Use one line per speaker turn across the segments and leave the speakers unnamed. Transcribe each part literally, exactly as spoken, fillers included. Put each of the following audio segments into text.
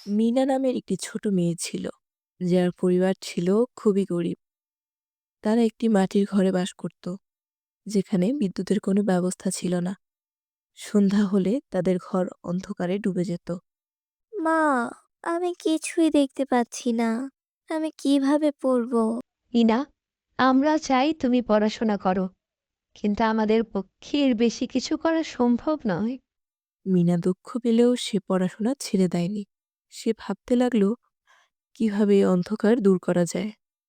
মিনা নামের একটি ছোট মেয়ে ছিল, যার পরিবার ছিল খুবই গরিব। তারা একটি মাটির ঘরে বাস করত, যেখানে বিদ্যুতের কোনো ব্যবস্থা ছিল না। সন্ধ্যা হলে তাদের ঘর অন্ধকারে ডুবে যেত।
মা, আমি কিছুই দেখতে পাচ্ছি না। আমি কিভাবে পড়বো?
ইনা, আমরা চাই তুমি পড়াশোনা করো, কিন্তু আমাদের পক্ষে এর বেশি কিছু করা সম্ভব নয়।
মিনা দুঃখ পেলেও সে পড়াশোনা ছেড়ে দেয়নি। সে ভাবতে লাগলো কিভাবে এই অন্ধকার দূর করা যায়।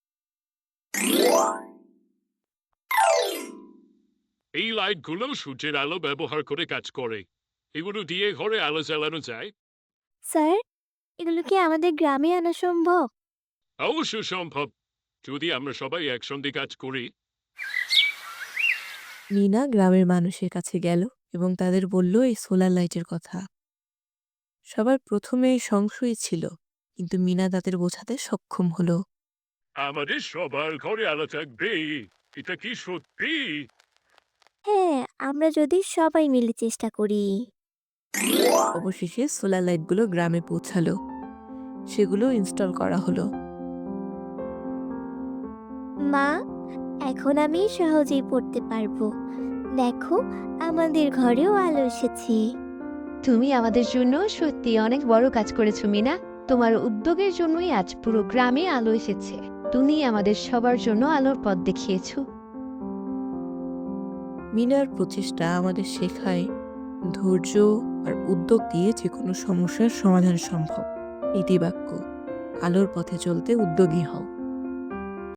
এই লাইটগুলো সূর্যের আলো ব্যবহার করে কাজ করে। এগুলো দিয়ে ঘরে আলো জ্বালানো যায়।
স্যার, এগুলো কি আমাদের গ্রামে আনা সম্ভব?
অবশ্য সম্ভব, যদি আমরা সবাই একসঙ্গে কাজ করি।
মিনা গ্রামের মানুষের কাছে গেল এবং তাদের বলল এই সোলার লাইটের কথা। সবার প্রথমে সংশয় ছিল, কিন্তু মিনা তাদের বোঝাতে সক্ষম হলো।
আমাদের সবার ঘরে আলো থাকবে, এটা কি সত্যি?
হ্যাঁ, আমরা যদি সবাই মিলে চেষ্টা করি।
অবশেষে সোলার লাইটগুলো গ্রামে পৌঁছালো। সেগুলো ইনস্টল করা হলো।
মা, এখন আমি সহজেই পড়তে পারবো। দেখো, আমাদের ঘরেও আলো এসেছে।
তুমি আমাদের জন্য সত্যি অনেক বড় কাজ করেছো মিনা। তোমার উদ্যোগের জন্যই আজ পুরো গ্রামে আলো এসেছে। তুমি আমাদের সবার জন্য আলোর পথ দেখিয়েছো।
মিনার প্রচেষ্টা আমাদের শেখায় ধৈর্য আর উদ্যোগ দিয়ে যে কোনো সমস্যার সমাধান সম্ভব। ইতিবাক্য: আলোর পথে চলতে উদ্যোগী হও।